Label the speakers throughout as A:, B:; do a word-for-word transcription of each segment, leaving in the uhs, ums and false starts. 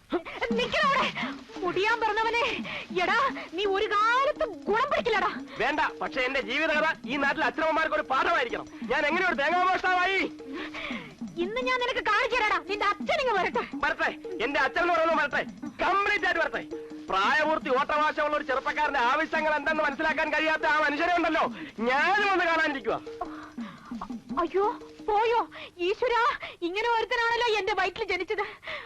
A: മുടിയാൻ പറഞ്ഞവനെ എടാ നീ ഒരു കാലത്ത് ഗുണം പിടിക്കില്ലടാ.
B: വേണ്ട, പക്ഷെ എന്റെ ജീവിതകഥ ഈ നാട്ടിലെ അച്ഛനമ്മമാർക്ക് ഒരു പാഠമായിരിക്കണം. ഞാൻ എങ്ങനെയൊരു തേങ്ങാമോഷ്ടാവായി
A: ഇന്ന് ഞാൻ നിനക്ക് കാണിച്ചു തരാടാ. നിന്റെ അച്ഛനിങ്ങ് വരട്ടെ.
B: വരട്ടെ, എന്റെ അച്ഛൻ എന്ന് പറയുന്നത് വരട്ടെ, കംപ്ലീറ്റ് ആയിട്ട് വരട്ടെ. പ്രായപൂർത്തി ഓട്ടവാശമുള്ള ഒരു ചെറുപ്പക്കാരന്റെ ആവശ്യങ്ങൾ എന്തെന്ന് മനസ്സിലാക്കാൻ കഴിയാത്ത ആ മനുഷ്യനെ ഉണ്ടല്ലോ ഞാനും ഒന്ന് കാണാനിരിക്കുക.
A: അയ്യോ പോയോ ഈശ്വര, ഇങ്ങനെ ഒരുത്തനാണല്ലോ എന്റെ വയറ്റിൽ ജനിച്ചത്.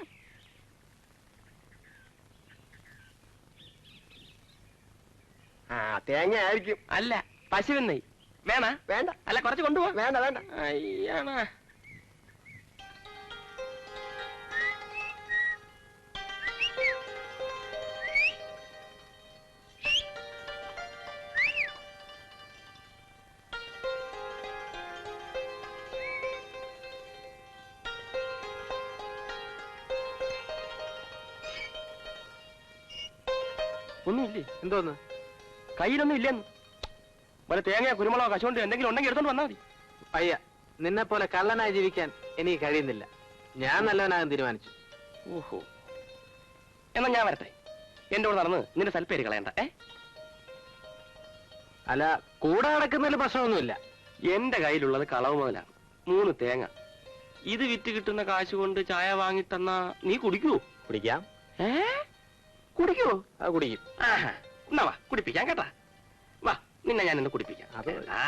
B: ആ തേങ്ങ ആയിരിക്കും. അല്ല, പശുവിൻ നെയ്. വേണ? വേണ്ട. അല്ല, കുറച്ച് കൊണ്ടുപോ. വേണ്ട വേണ്ട. അയ്യാണ്. ഒന്നുമില്ലേ? എന്തോന്ന്? കയ്യിലൊന്നും ഇല്ലെന്ന്. വല്ല തേങ്ങയോ കുരുമുളകോ കശുകൊണ്ട് എന്തെങ്കിലും ഉണ്ടെങ്കിൽ എടുത്തോണ്ട് വന്നാൽ മതി.
C: അയ്യ, നിന്നെ പോലെ കള്ളനായി ജീവിക്കാൻ എനിക്ക് കഴിയുന്നില്ല. ഞാൻ നല്ലവനാകാൻ തീരുമാനിച്ചു.
B: ഓഹോ, എന്നാ ഞാൻ വരട്ടെ. എന്റെ കൂടെ നടന്ന് നിന്റെ സൽപ്പേര് കളയണ്ട. ഏ
C: അല്ല, കൂടെ നടക്കുന്നതിൽ പ്രശ്നമൊന്നുമില്ല.
B: എന്റെ കയ്യിലുള്ളത് കളവ് മുതലാണ്. മൂന്ന് തേങ്ങ. ഇത് വിറ്റ് കിട്ടുന്ന കാശ് കൊണ്ട് ചായ വാങ്ങിത്തന്നാ നീ കുടിക്കൂ?
C: കുടിക്കാം.
B: ഏ കുടിക്കൂ?
C: ആ കുടിക്കും.
B: എന്നാ വാ, കുടിപ്പിക്കാം കേട്ടാ. വാ, നിന്നെ ഞാൻ ഇന്ന് കുടിപ്പിക്കാം. ആ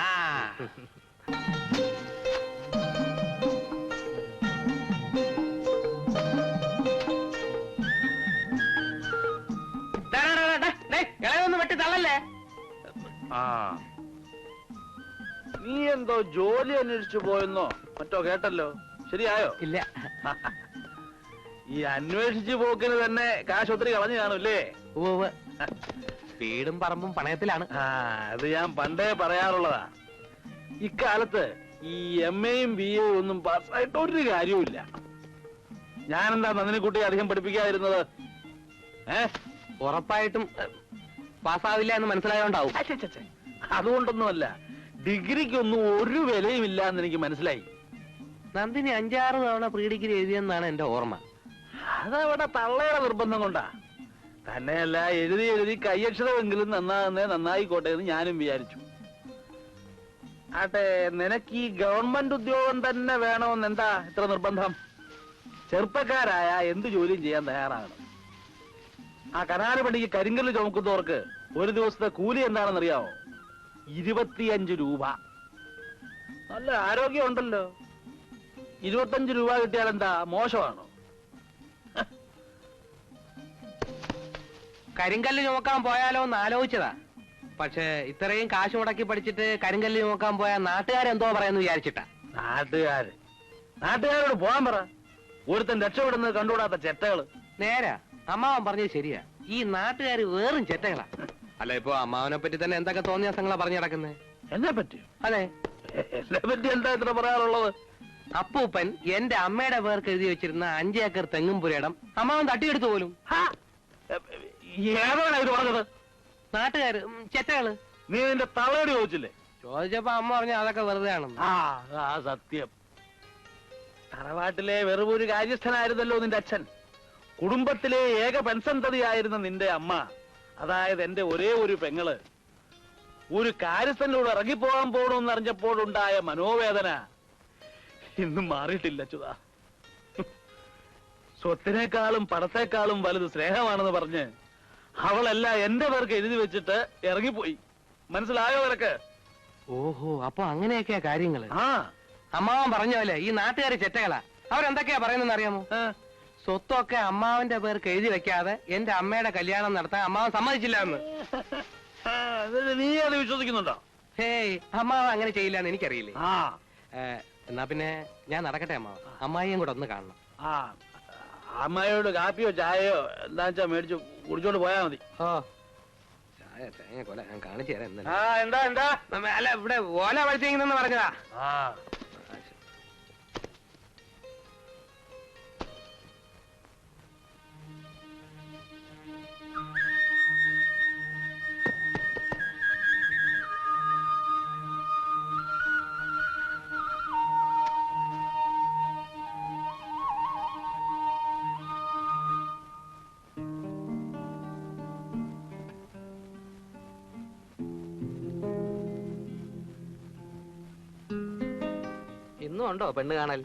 B: ഇളയൊന്നും വെട്ടി തള്ളല്ലേ.
D: ആ നീ എന്തോ ജോലി അന്വേഷിച്ചു പോയെന്നോ മറ്റോ കേട്ടല്ലോ, ശരിയായോ?
B: ഇല്ല.
D: ഈ അന്വേഷിച്ചു പോക്കിന് തന്നെ കാശ് ഒത്തിരി കളഞ്ഞു കാണൂല്ലേ?
B: വീടും പറമ്പും പണയത്തിലാണ്.
D: ആ അത് ഞാൻ പണ്ടേ പറയാറുള്ളതാ. ഇക്കാലത്ത് ഈ എം എയും ബി എയും ഒന്നും പാസ്സായിട്ട് ഒരു കാര്യവുമില്ല. ഞാനെന്താ നന്ദിനിക്കുട്ടി അധികം പഠിപ്പിക്കാതിരുന്നത്? ഏ
B: ഉറപ്പായിട്ടും പാസ്സാവില്ല എന്ന് മനസ്സിലായോണ്ടാവും.
D: അതുകൊണ്ടൊന്നുമല്ല, ഡിഗ്രിക്കൊന്നും ഒരു വിലയും ഇല്ല എന്ന് എനിക്ക് മനസ്സിലായി.
B: നന്ദിനി അഞ്ചാറ് തവണ പ്രീ ഡിഗ്രി എഴുതിയെന്നാണ് എന്റെ ഓർമ്മ.
D: അതവിടെ തള്ളയുടെ നിർബന്ധം കൊണ്ടാ. തന്നെയല്ല, എഴുതി എഴുതി കയ്യക്ഷരമെങ്കിലും നന്നാകുന്നേ നന്നായിക്കോട്ടെ എന്ന് ഞാനും വിചാരിച്ചു. ആട്ടെ, നിനക്ക് ഈ ഗവൺമെന്റ് ഉദ്യോഗം തന്നെ വേണമെന്ന് എന്താ ഇത്ര നിർബന്ധം? ചെറുപ്പക്കാരായ എന്ത് ജോലിയും ചെയ്യാൻ തയ്യാറാകണം. ആ കനാല് പണിക്ക് കരിങ്കല്ല് ചുമക്കുന്നവർക്ക് ഒരു ദിവസത്തെ കൂലി എന്താണെന്നറിയാമോ? ഇരുപത്തിയഞ്ച് രൂപ. നല്ല ആരോഗ്യം ഉണ്ടല്ലോ. ഇരുപത്തഞ്ച് രൂപ കിട്ടിയാൽ എന്താ മോശമാണോ?
B: കരിങ്കല്ല് ചുമക്കാൻ പോയാലോ എന്ന് ആലോചിച്ചതാ. പക്ഷെ ഇത്രയും കാശ് മുടക്കി പഠിച്ചിട്ട് കരിങ്കല്ല് ചുമക്കാൻ പോയാൽ നാട്ടുകാരെന്തോ പറയാന്ന് വിചാരിച്ചിട്ടാ.
D: നാട്ടുകാര് നാട്ടുകാരോട് പോകാൻ പറ. ഒരുത്തൻ രക്ഷപ്പെടുന്നത് കണ്ടുകൂടാത്ത ചെറ്റകള്.
B: നേരാ, അമ്മാവൻ പറഞ്ഞത് ശരിയാ. ഈ നാട്ടുകാര് വേറും ചെറ്റകളാ. അല്ല, ഇപ്പൊ അമ്മാവനെ പറ്റി തന്നെ എന്തൊക്കെ തോന്നിയ സംഘങ്ങളാ പറഞ്ഞു നടക്കുന്നത്.
D: എന്നെ പറ്റി?
B: അതെ,
D: എന്നെ പറ്റി എന്താ ഇത്ര പറയാറുള്ളത്?
B: അപ്പൂപ്പൻ എന്റെ അമ്മയുടെ പേർക്ക് എഴുതി വെച്ചിരുന്ന അഞ്ചേക്കർ തെങ്ങും പുരയിടം അമ്മാവൻ തട്ടിയെടുത്തു പോലും.
D: ഏതാണ് ഇത് പറഞ്ഞത്?
B: നാട്ടുകാര് ചെറ്റകള്.
D: നീ നിന്റെ തള്ളയോട് ചോദിച്ചില്ലേ?
B: ചോദിച്ചപ്പോ അമ്മ പറഞ്ഞ അതൊക്കെ വെറുതെ ആണെന്ന്.
D: ആ ആ സത്യം. തറവാട്ടിലെ വെറും ഒരു കാര്യസ്ഥനായിരുന്നല്ലോ നിന്റെ അച്ഛൻ. കുടുംബത്തിലെ ഏക പെൺസന്തതിയായിരുന്ന നിന്റെ അമ്മ, അതായത് എന്റെ ഒരേ ഒരു പെങ്ങള്, ഒരു കാര്യസ്ഥനോട് ഇറങ്ങിപ്പോകാൻ പോകണമെന്ന് അറിഞ്ഞപ്പോഴുണ്ടായ മനോവേദന ഇന്നും മാറിയിട്ടില്ല ചുതാ. സ്വത്തിനേക്കാളും പണത്തെക്കാളും വലുത് സ്നേഹമാണെന്ന് പറഞ്ഞ് അവളല്ല എന്റെ പേർക്ക് എഴുതി വെച്ചിട്ട് ഇറങ്ങിപ്പോയി. മനസ്സിലായോ നിനക്ക്?
B: ഓഹോ, അപ്പൊ അങ്ങനെയൊക്കെയാ കാര്യങ്ങള്.
D: ആ
B: അമ്മാവൻ പറഞ്ഞല്ലേ ഈ നാട്ടുകാര് ചെറ്റകളാ. അവരെന്തൊക്കെയാ പറയുന്നെന്ന് അറിയാമോ? സ്വത്തൊക്കെ അമ്മാവന്റെ പേർക്ക് എഴുതി വെക്കാതെ എന്റെ അമ്മയുടെ കല്യാണം നടത്താൻ അമ്മാവൻ സമ്മതിച്ചില്ല എന്ന്.
D: നീ അത് വിശ്വസിക്കുന്നുണ്ടോ?
B: ഹേയ്, അമ്മാവൻ അങ്ങനെ ചെയ്യില്ല എന്ന് എനിക്കറിയില്ലേ.
D: ആ
B: എന്നാ പിന്നെ ഞാൻ നടക്കട്ടെ അമ്മാവൻ. അമ്മായിയും കൂടെ ഒന്ന് കാണണം.
D: ആ അമ്മയോട് കാപ്പിയോ ചായയോ എന്താ വെച്ചാ മേടിച്ചു കുടിച്ചോണ്ട് പോയാ മതി.
B: ഓ, ചായ തേങ്ങ കൊല ഞാൻ കാണിച്ചു തരാം.
D: ആ എന്താ എന്താ
B: അല്ല, ഇവിടെ ഓല വഴിച്ചെന്ന് പറഞ്ഞതാ.
D: ആ
C: ഇന്നും ഉണ്ടോ പെണ്ണ് കാണൽ?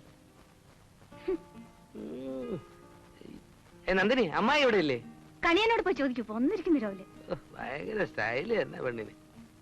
C: ഉം. ഏ നന്ദിനി, അമ്മായി ഇവിടെ ഇല്ലേ?
A: കണിയനോട് പോയി ചോദിക്കൂ, ഒന്നിരിക്കുന്നു രാവിലെ.
C: ഉഹ്, ഭയങ്കര സ്റ്റൈല് തന്നെ പെണ്ണിന്.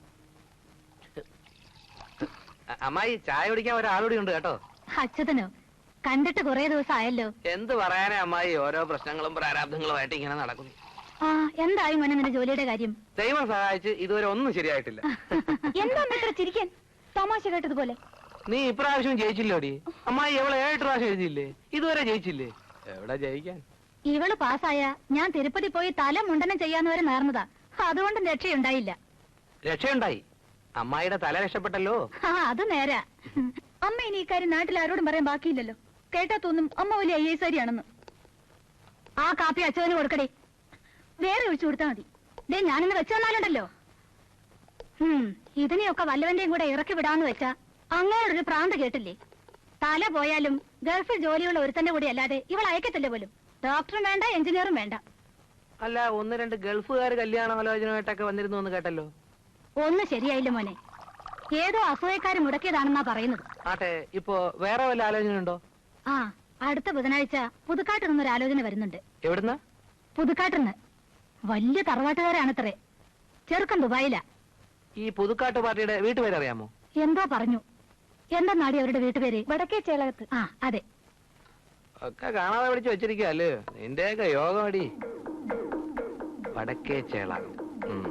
C: അ- അമ്മായി ചായ കുടിക്കാൻ ഒരാളൂടി ഉണ്ട് കേട്ടോ.
A: അച്യുതനോ? കണ്ടിട്ട് കുറെ ദിവസം ആയല്ലോ.
C: എന്ത് പറയാനേ അമ്മായി, ഓരോ പ്രശ്നങ്ങളും പ്രാരാബ്ദങ്ങളുമായിട്ട് ഇങ്ങനെ നടക്കുന്നു.
A: ആ എന്തായി മോനെ നിന്റെ ജോലിയുടെ കാര്യം?
C: ദൈവം സഹായിച്ച് ഇതുവരെ ഒന്നും ശരിയായിട്ടില്ല.
A: എന്താ ഇത്ര ചിരിക്കാൻ? തമാശ കേട്ടതുപോലെ.
C: നീ ഇപ്രാവശ്യം ജയിച്ചില്ലോടി. അമ്മായി എവളെ ഏഴ് പ്രാവശ്യം എഴുതിയില്ലേ? ഇതുവരെ ജയിച്ചില്ലേ? എവിടെ ജയിക്കാൻ?
A: ഇവള് പാസ്സായ ഞാൻ തിരുപ്പതി പോയി തല മുണ്ടനം ചെയ്യാന്ന് വരെ നേർന്നതാ. അതുകൊണ്ട് രക്ഷയുണ്ടായില്ല.
C: രക്ഷയുണ്ടായി. അമ്മായിയുടെ തല രക്ഷപ്പെട്ടല്ലോ.
A: ആ അത് നേരാ. അമ്മ ഇനി ഇക്കാര്യം നാട്ടിൽ ആരോടും പറയാൻ ബാക്കിയില്ലല്ലോ. കേട്ടാ തോന്നും അമ്മ വലിയ ഐ എസ് ആരിയാണെന്ന്. ആ കാപ്പി അച്ഛന് കൊടുക്കടേ, വേറെ ഒഴിച്ചു കൊടുത്താ മതി. ദേ ഞാനിന്ന് വെച്ചു തന്നാലുണ്ടല്ലോ. ഉം ഇതിനെയൊക്കെ വല്ലവന്റെയും കൂടെ ഇറക്കി വിടാന്ന് വെച്ചാ അങ്ങോട്ടൊരു പ്രാന്ത് കേട്ടില്ലേ? തല പോയാലും ഗൾഫിൽ ജോലിയുള്ള ഒരുത്തന്റെ കൂടെ അല്ലാതെ ഇവൾ അയക്കത്തില്ല പോലും. ഡോക്ടറും വേണ്ട, എഞ്ചിനീയറും വേണ്ട.
C: അല്ല, ഒന്ന് രണ്ട് ഗൾഫുകാർ കല്യാണാലോചനയായിട്ടൊക്കെ വന്നിരുന്നു എന്ന് കേട്ടല്ലോ.
A: ഒന്നും ശരിയായില്ല മോനെ. ഏതോ അസൂയക്കാര് മുടക്കിയതാണെന്നാ പറയുന്നത്.
C: ആട്ടെ, ഇപ്പോ വേറെ വല്ല ആലോചനയുണ്ടോ?
A: ആ അടുത്ത ബുധനാഴ്ച പുതുക്കാട്ട് നിന്നൊരു ആലോചന വരുന്നുണ്ട്.
C: എവിടുന്ന?
A: പുതുക്കാട്ടിന്ന്. വലിയ തറവാട്ടുകാരാണത്രേ. ചെറുക്കൻ ദുബായിലാ.
C: ഈ പുതുക്കാട്ട് പാർട്ടിയുടെ വീട്ടുപേരറിയാമോ?
A: എന്തോ പറഞ്ഞു. എന്താ നാടി അവരുടെ വീട്ടുപേര്? വടക്കേ ചേളകത്ത്. ആ അതെ.
C: ഒക്കെ കാണാതെ പിടിച്ച് വെച്ചിരിക്കുക അല്ലേ? നിന്റെയൊക്കെ യോഗമടി. വടക്കേ ചേളകം. ഉം.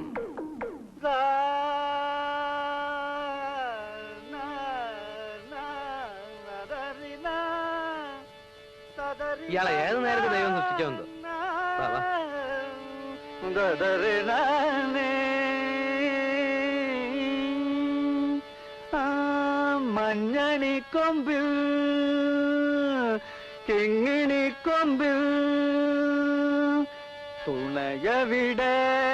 C: ഇയാളെ ഏത് നേരത്തെ ദൈവം സൃഷ്ടിച്ചോന്തോ. വാ, വാ.
D: മഞ്ഞണി കൊമ്പിൽ കിങ്ങിണി കൊമ്പിൽ തുണയവിടെ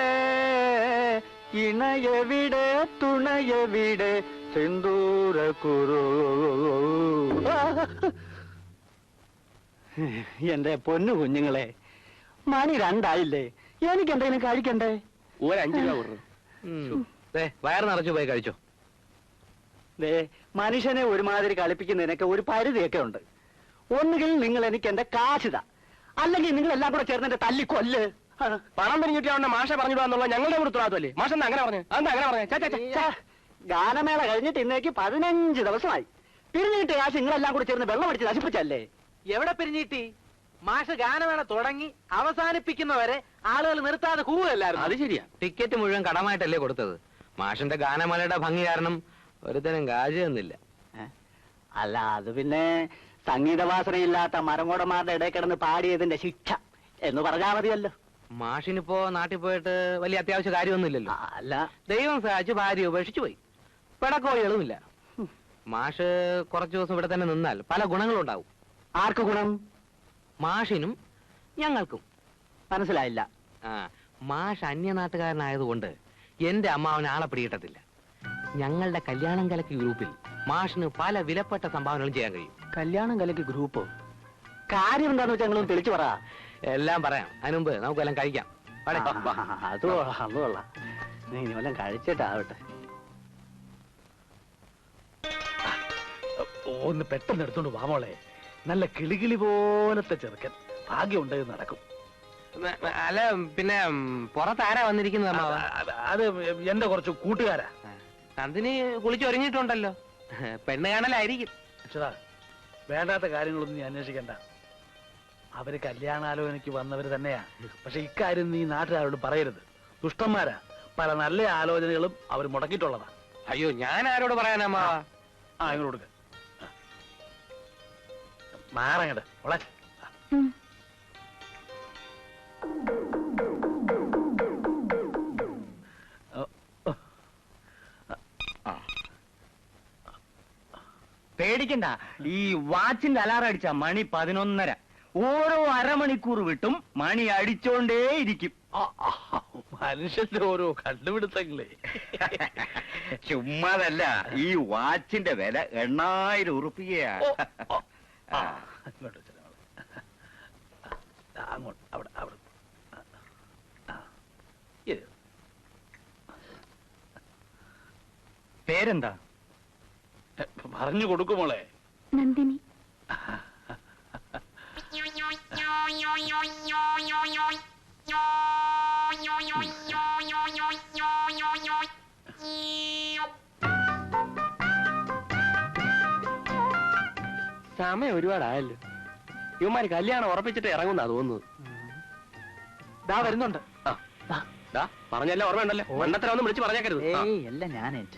D: ഇണയവിടെ തുണയവിടെ സിന്ദൂര കുറു. എന്റെ പൊന്നു കുഞ്ഞുങ്ങളെ, മണി രണ്ടായില്ലേ? എനിക്ക് എന്തെങ്കിലും കഴിക്കണ്ടേ? ഒരു അഞ്ചു രൂപ കൊടുക്കും.
C: ഉം. ദേ, വയറ് നിറച്ചു പോയി കഴിച്ചോ.
D: ദേ, മനുഷ്യനെ ഒരുമാതിരി കളിപ്പിക്കുന്നതിനൊക്കെ ഒരു പരിധിയൊക്കെ ഉണ്ട്. ഒന്നുകിൽ നിങ്ങൾ എനിക്ക് എന്റെ കാശിത, അല്ലെങ്കിൽ നിങ്ങൾ എല്ലാം കൂടെ ചേർന്ന് എന്റെ തല്ലി കൊല്ല്.
B: പണം പിരിഞ്ഞിട്ട് അവന്റെ മാഷ പറഞ്ഞിടാന്നുള്ള ഞങ്ങളുടെ ഉത്തരവാദിത്തമല്ലേ? മാഷെന്ന് അങ്ങനെ പറഞ്ഞു. അതെന്താ അങ്ങനെ പറഞ്ഞു?
D: ഗാനമേള കഴിഞ്ഞിട്ട് ഇന്നേക്ക് പതിനഞ്ച് ദിവസമായി. പിരിഞ്ഞിട്ട് കാശ് നിങ്ങളെല്ലാം കൂടെ ചേർന്ന് വെള്ളം അടിച്ച് നശിപ്പിച്ചല്ലേ?
C: എവിടെ പിരിഞ്ഞിട്ടി? മാഷ് ഗാനമേള തുടങ്ങി അവസാനിപ്പിക്കുന്നവരെ ആളുകൾ നിർത്താതെ കൂവല്ലായിരുന്നു.
B: അത് ശരിയാ.
C: ടിക്കറ്റ് മുഴുവൻ കടമായിട്ടല്ലേ കൊടുത്തത്. മാഷിന്റെ ഗാനമേളയുടെ ഭംഗി കാരണം ഒരുത്തനും കാശ് തന്നില്ല.
D: അല്ല, അത് പിന്നെ സംഗീതവാസനയില്ലാത്ത മരങ്ങോടന്മാരുടെ ഇടയിൽ കിടന്ന് പാടിയതിന്റെ ശിക്ഷ എന്ന് പറഞ്ഞാൽ മതിയല്ലോ.
C: മാഷിനിപ്പോ നാട്ടിൽ പോയിട്ട് വലിയ അത്യാവശ്യ കാര്യമൊന്നുമില്ലല്ലോ.
D: അല്ല,
C: ദൈവം സഹായിച്ച് ഭാര്യ ഉപേക്ഷിച്ചു പോയി. പിടക്കോഴികളുമില്ല. മാഷ് കുറച്ചു ദിവസം ഇവിടെ തന്നെ നിന്നാൽ പല ഗുണങ്ങളും ഉണ്ടാവും.
D: ആർക്ക് ഗുണം?
C: മാഷിനും ഞങ്ങൾക്കും.
D: മനസ്സിലായില്ല.
C: ആ മാഷ് അന്യനാട്ടുകാരനായതുകൊണ്ട് എന്റെ അമ്മാവന് ആളെ പിടികിട്ടത്തില്ല. ഞങ്ങളുടെ കല്യാണം കലക്കി ഗ്രൂപ്പിൽ മാഷിന് പല വിലപ്പെട്ട സംഭാവനകളും ചെയ്യാൻ കഴിയും.
D: കല്യാണം കലക്കി ഗ്രൂപ്പ് കാര്യം എന്താന്ന് വെച്ചാൽ ഞങ്ങളും തെളിച്ചു പറ.
C: എല്ലാം പറയാം. അതിനുമുമ്പ് നമുക്കെല്ലാം കഴിക്കാം. വാടേ.
D: അത് കൊള്ളാം, അത് കൊള്ളാം. നീ ഇനി വല്ലതും കഴിച്ചിട്ടാവട്ടെ. ഒന്ന് പെട്ടെന്ന് എടുത്തോണ്ട് വാ മോളെ. നല്ല കിളികിളി പോലത്തെ ചെറുക്കൻ. ഭാഗ്യമുണ്ടെങ്കിൽ നടക്കും.
C: മ- മ- അല്ല പിന്നെ ഉം, പുറത്താരാ വന്നിരിക്കുന്നത് അമ്മാവ?
D: അത് അത് എന്റെ കുറച്ച് കൂട്ടുകാരാ.
C: നന്ദിനി കുളിച്ചൊരുങ്ങിയിട്ടുണ്ടല്ലോ. പെണ്ണ് കാണലായിരിക്കും.
D: അച്ഛാ, വേണ്ടാത്ത കാര്യങ്ങളൊന്നും നീ അന്വേഷിക്കണ്ട. അവര് കല്യാണാലോചനയ്ക്ക് വന്നവര് തന്നെയാ. പക്ഷെ ഇക്കാര്യം നീ നാട്ടുകാരോട് പറയരുത്. ദുഷ്ടന്മാരാ. പല നല്ല ആലോചനകളും അവർ മുടക്കിയിട്ടുള്ളതാ.
C: അയ്യോ, ഞാൻ ആരോട് പറയാനമ്മാവ?
D: ആ ഇങ്ങോട്ട് കൊടുക്ക. മാറങ്ങട് മോളെ.
A: ഉം.
E: പേടിക്കണ്ട. ഈ വാച്ചിന്റെ അലാറം അടിച്ച മണി പതിനൊന്നര. ഓരോ അരമണിക്കൂർ വിട്ടും മണി അടിച്ചോണ്ടേയിരിക്കും.
D: ആ, ആ, മനുഷ്യന്റെ ഓരോ കണ്ടുപിടുത്തങ്ങളെ.
E: ചുമ്മാതല്ല, ഈ വാച്ചിന്റെ വില എണ്ണായിരം ഉറുപ്പികയാ.
D: ഓ, ഓ, ആ, ഇങ്ങോട്ട് വെച്ചോ മോളെ. ആ, അങ്ങോട്ട് അവിടെ അവിടെ. ആ, ഇത്.
E: പേരെന്താ?
D: പറഞ്ഞു കൊടുക്കുമോളെ.
A: നന്ദിനി.
B: സമയം ഒരുപാടായല്ലോ. ഇവന്മാര് കല്യാണം ഉറപ്പിച്ചിട്ട് ഇറങ്ങുന്നാ തോന്നുന്നത്. ദാ വരുന്നുണ്ട്. പറഞ്ഞല്ല ഓർമ്മയുണ്ടല്ലോ. മണ്ണത്തരൊന്നും വിളിച്ച് പറഞ്ഞേക്കരുത്.
F: ഏയ് അല്ല ഞാനേറ്റ്.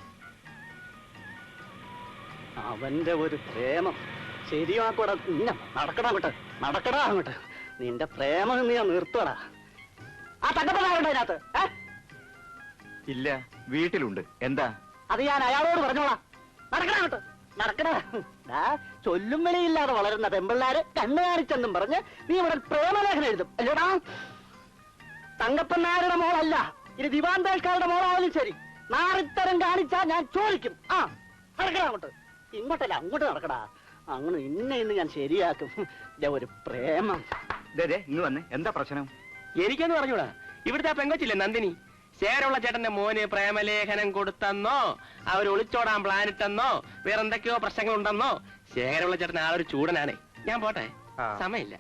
F: അവന്റെ ഒരു പ്രേമം ശരിയാക്കൂടാ. നടക്കടാ അങ്ങോട്ട്, നടക്കടാ അങ്ങോട്ട്. നിന്റെ പ്രേമം നീ നിർത്തടാ. ആ തങ്കപ്പനാരുണ്ടോ അതിനകത്ത്?
E: ഇല്ല, വീട്ടിലുണ്ട്. എന്താ?
F: അത് ഞാൻ അയാളോട് പറഞ്ഞോളാം. നടക്കടാ അങ്ങോട്ട്, നടക്കടാ. ചൊല്ലും വിളിയില്ലാതെ വളരുന്ന പെമ്പിള്ളാര് കണ്ണു കാണിച്ചെന്നും പറഞ്ഞ് നീ ഇവിടെ പ്രേമലേഖനം എഴുതും അല്ലേടാ? തങ്കപ്പനാരുടെ മോളല്ല, ഇനി ദിവാന്തേൽക്കാരുടെ മോളായാലും ശരി, നാറിത്തരം കാണിച്ചാ ഞാൻ ചോദിക്കും. ആ നടക്കടാ അങ്ങോട്ട്. ഇങ്ങോട്ടല്ല, അങ്ങോട്ട് നടക്കടാ. അങ്ങനെ ഇന്നെ ഇന്ന് ഞാൻ ശരിയാക്കും. ഒരു പ്രേമം.
E: ഇന്ന് വന്നേ, എന്താ പ്രശ്നം?
B: എനിക്കെന്ന് പറഞ്ഞൂടാ. ഇവിടുത്തെ ആ പെങ്കൊച്ചില്ലേ നന്ദിനി, ശേരമുള്ള ചേട്ടന്റെ മോന് പ്രേമലേഖനം കൊടുത്തെന്നോ അവർ ഒളിച്ചോടാൻ പ്ലാനിട്ടെന്നോ വേറെന്തൊക്കെയോ പ്രശ്നങ്ങൾ ഉണ്ടെന്നോ. ശേഖരമുള്ള ചേട്ടൻ ആ ഒരു ചൂടനാണേ. ഞാൻ പോട്ടെ, സമയമില്ല.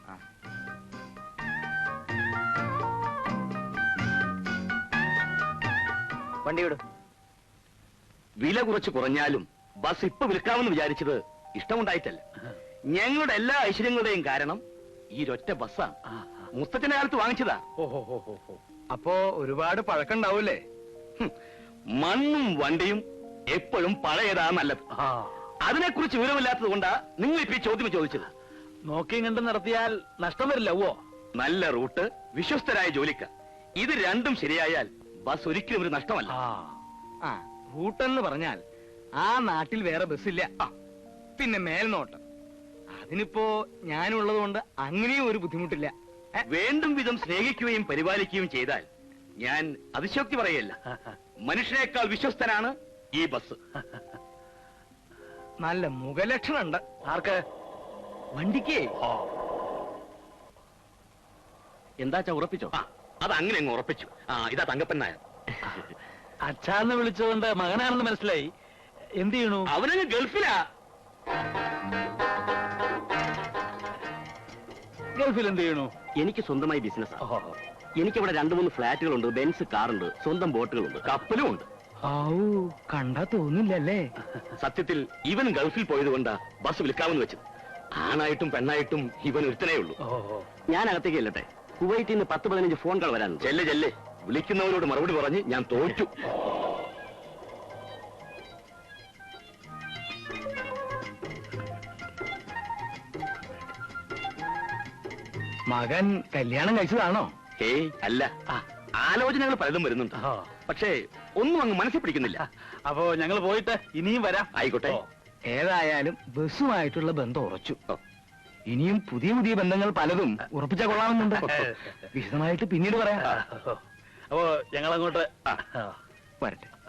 E: വണ്ടി വിടും. വില കുറച്ച് കുറഞ്ഞാലും ബസ് ഇപ്പൊ വിൽക്കാമെന്ന് വിചാരിച്ചത് ഇഷ്ടമുണ്ടായിട്ടല്ല. ഞങ്ങളുടെ എല്ലാ ഐശ്വര്യങ്ങളുടെയും കാരണം ഈ ഒറ്റ ബസ്സാണ്. മുത്തച്ഛന്റെ കാലത്ത് വാങ്ങിച്ചതാ.
B: അപ്പോ ഒരുപാട് പഴക്കണ്ടാവൂലേ?
E: മണ്ണും വണ്ടിയും എപ്പോഴും പഴയതാ നല്ലത്. അതിനെക്കുറിച്ച് വിവരമില്ലാത്തത് കൊണ്ടാ നിങ്ങൾ ഇപ്പൊ ഈ ചോദ്യം ചോദിച്ചത്.
D: നോക്കിയും കണ്ട് നടത്തിയാൽ നഷ്ടം വരില്ല. ഓ,
E: നല്ല റൂട്ട്, വിശ്വസ്തരായ ജോലിക്കാർ, ഇത് രണ്ടും ശരിയായാൽ ബസ് ഒരിക്കലും ഒരു നഷ്ടമല്ല.
B: ആ റൂട്ടെന്ന് പറഞ്ഞാൽ ആ നാട്ടിൽ വേറെ ബസ്സില്ല. പിന്നെ മേൽനോട്ടം, അതിനിപ്പോ ഞാനുള്ളത് കൊണ്ട് അങ്ങനെയും ഒരു ബുദ്ധിമുട്ടില്ല.
E: വേണ്ടും വിധം സ്നേഹിക്കുകയും പരിപാലിക്കുകയും ചെയ്താൽ ഞാൻ അതിശോക്തി പറയല്ല. മനുഷ്യനേക്കാൾ വിശ്വസ്തനാണ് ഈ ബസ്.
B: നല്ല മുഖലക്ഷണുണ്ട്.
D: ആർക്ക്?
B: വണ്ടിക്ക്.
E: എന്താച്ചാ ഉറപ്പിച്ചോ? അത് അങ്ങനെ അങ്ങ് ഉറപ്പിച്ചു. ആ ഇതാ തങ്കപ്പൻ നായർ.
D: അച്ഛാന്ന് വിളിച്ചുകൊണ്ട് മകനാണെന്ന് മനസ്സിലായി. എന്ത് ചെയ്യണു?
E: അവനങ്ങ് ഗൾഫിലാ.
D: ഗൾഫിൽ എന്ത് ചെയ്യണു?
E: എനിക്ക് സ്വന്തമായി ബിസിനസ്. എനിക്കിവിടെ രണ്ടു മൂന്ന് ഫ്ലാറ്റുകളുണ്ട്, ബെൻസ് കാറുണ്ട്, സ്വന്തം ബോട്ടുകളുണ്ട്, കപ്പലും ഉണ്ട്.
B: കണ്ടാ തോന്നില്ലല്ലേ?
E: സത്യത്തിൽ ഇവൻ ഗൾഫിൽ പോയത് കൊണ്ടാ ബസ് വിൽക്കാമെന്ന് വെച്ചത്. ആണായിട്ടും പെണ്ണായിട്ടും ഇവൻ ഒരുത്തനേ ഉള്ളൂ. ഞാൻ അകത്തേക്ക് ചെല്ലട്ടെ. കുവൈറ്റിൽ നിന്ന് പത്ത് പതിനഞ്ച് ഫോൺ കോൾ വരാനുണ്ട്. ചെല്ലെ ചെല്ലെ. വിളിക്കുന്നവരോട് മറുപടി പറഞ്ഞ് ഞാൻ തോറ്റു.
B: മകൻ കല്യാണം കഴിച്ചതാണോ?
E: ഏയ് അല്ല, ആലോചനകൾ പലതും വരുന്നുണ്ട്. പക്ഷേ ഒന്നും അങ്ങ് മനസ്സിൽ പിടിക്കുന്നില്ല.
D: അപ്പോ ഞങ്ങൾ പോയിട്ട് ഇനിയും വരാം.
E: ആയിക്കോട്ടെ.
B: ഏതായാലും ബസ്സുമായിട്ടുള്ള ബന്ധം ഉറച്ചു. ഇനിയും പുതിയ പുതിയ ബന്ധങ്ങൾ പലതും ഉറപ്പിച്ച കൊള്ളാമെന്നുണ്ട്. വിശദമായിട്ട് പിന്നീട് പറയാം.
D: അപ്പോ ഞങ്ങൾ അങ്ങോട്ട്
B: വരട്ടെ.